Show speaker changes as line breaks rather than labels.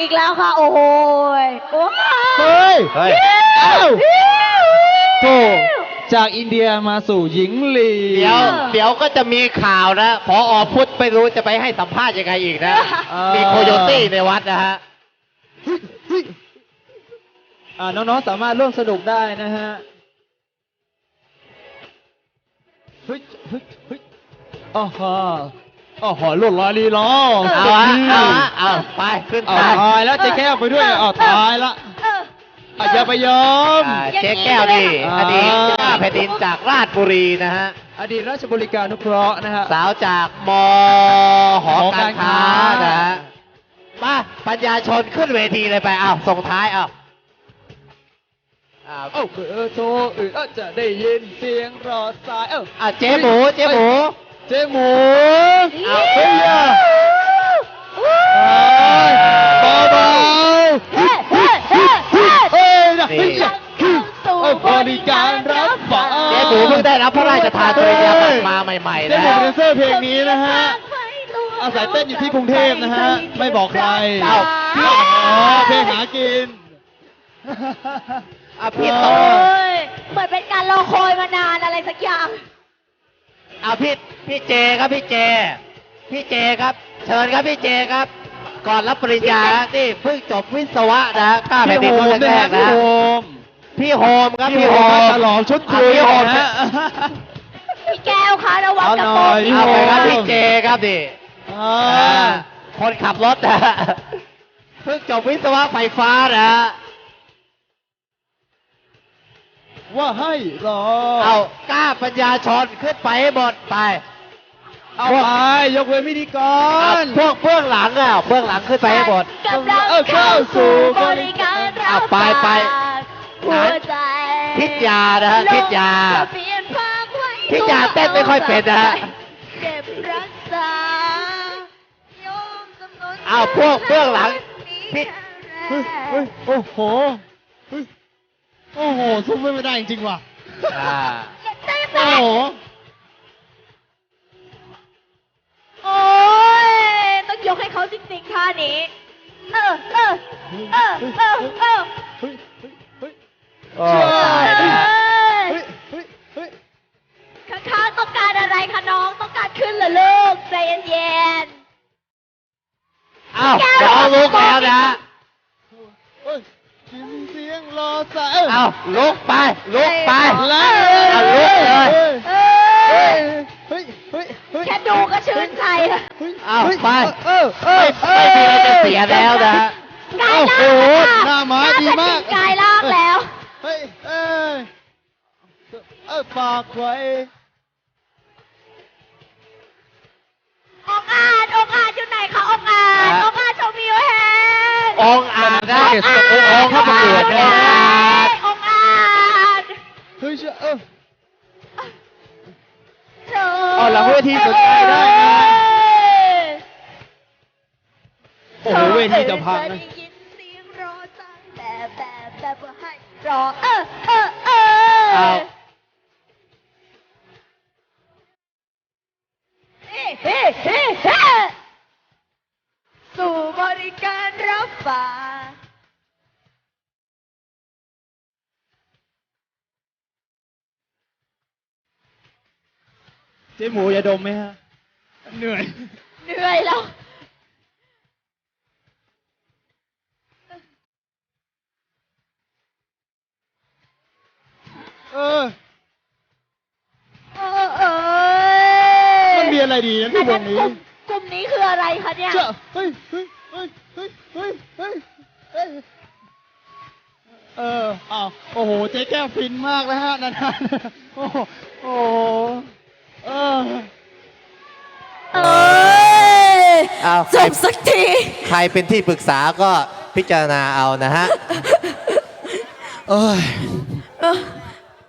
อีกแล้วค่ะ โอ้โหโอ้
เฮ้ย
เฮ้ย
เอ้าโธ่จากอินเดียมาสู่หญิงลี
เดี๋ยวก็จะมีข่าวนะพอพุทธไม่รู้จะไปให้สัมภาษณ์ยังไงอีกนะ มีโคโยตี้ในวัดนะฮะ
น้องๆสามารถร่วมสนุกได้นะฮะเฮ้ยเฮ้ยเฮ้ยอ๋อฮะอ๋อหอลวดลายลีลา
เอาไปขึ้น
เอา
ไป
ตายแล้วเจ๊แก้วไปด้วยเอาตายละอย่าไปยอม
เจ๊แก้วนี่อดีตเจ้าแผ่นดินจากราชบุรีนะฮะ
อดีตราชบริการนุเคราะห์นะฮะ
สาวจากมหอการค้านะฮะมาปัญญาชนขึ้นเวทีเลยไปเอาส่งท้ายเอา
เอ้าโทรจะได้ยินเสียงรอสาย
เจ๊หมูเจ๊หมู
เจ๊หมู
เฮ้ย
เบาๆเฮ้ยนะบริการรับฝาก
เจ๊หมูเพิ่งได้รับพระราชทานปริญญาบัตรมาใหม่ๆ
เจ๊
นะ
หมูเป็นแดนเซอร์เพลงนี้นะฮะอาศัยเต้นอยู่ที่กรุงเทพนะฮะไม่บอกใครเพลงหากิน
พี่
โอ้
ต่อย
เหมือนเป็นการรอคอยมานานอะไรสักอย่าง
พี่เจครับพี่เจครับ เชิญครับพี่เจครับ ก่อนรับปริญญานี่เพิ่งจบวิศวะนะกล้าแผ่นดินรุ่นแรกนะพี่โฮมครับพี่โฮม
ฉลองชุดคุย
พี่โฮม
นะฮะ
พี่แก้วคะระวังจะตก
เอาไปครับพี่เจครับดิ
อ่า
คนขับรถนะเพิ่งจบวิศวะไฟฟ้านะ
ว่าให้รอ
เอากล้าปัญญาชนขึ้นไปให้หมดไป
เอาไปยกเว้นพิธีกร
พวกเบื้องหลังเบื้องหลังขึ้นไปให้หมด
กำลังเข้าสู่บริการรับ
เอาไป
ฝากหัวใจ
พิทยานะฮะพิทยา
เปลี่ยนภาพไว้
พิทยาเต้นไม่ค่อยเป็นนะฮะ
เก็บรักษาโยมจำนวน
เอาพวกเบื้องหลังพิท
เฮ้ยโอ้โหเฮ้ยโอ้โหสู้ไม่ได้จริงๆว่ะ
ได้ไหม
โอ้โห
โอ้ยต้องยกให้เขาจริงๆท่านี้เออ
เฮ้ยเฮ้ย
โอ้
เฮ้ยเฮ้ยเฮ้ย
ข้างๆต้องการอะไรคะน้องต้องการขึ้นเหรอลูกใจเย็น
เอาน้องลุกแล้วนะ
เฮ้ยเสียงรอสาย
เอาลุกไปลุกไป
แล้ว
เอาลุกเลย
ๆ
เฮ้ย
เอ้ย
เฮ้ยเฮ้ยเฮ้ย
แค่ดูก็ชื่นใจแล้ว
เอาไป
ไม่
ไม่มีอะไรจะเสียแล้วนะ
กาย
โอ้
ล่าง
โห
นะคะ
หน้าม้าดีมาก
กายล่างแล้ว
เฮ้ยฝากไว้
องอาจอยู่ไหนคะองอาจโชว์มิวแฮน
องอาจนะองเข้าประกวดนะ
องอาจ
เฮ้ยเชื่อ
เธอ
เอาหลังเวทีสนใจได้นะ โอ้โหเวทีจะพังนะ
ได้ยินเสียงรอจังแบบว่าให้รอ
เอา
เฮ้สู่บริการรับฝาก
เจ๊หมูอย่าดมไหมฮะ เหนื่อย
เหนื่อยแล้ว
มันมีอะไรดีนะที่วงนี้
กลุ่มนี้คืออะไรคะเนี่ย
เจ้าเฮ้ยอ้าวโอ้โห เจ๊แก้วฟินมากแล้วฮะนั่นโอ้โห
จบสักที
ใครเป็นที่ปรึกษาก็พิจารณาเอานะฮะ
เอ้ย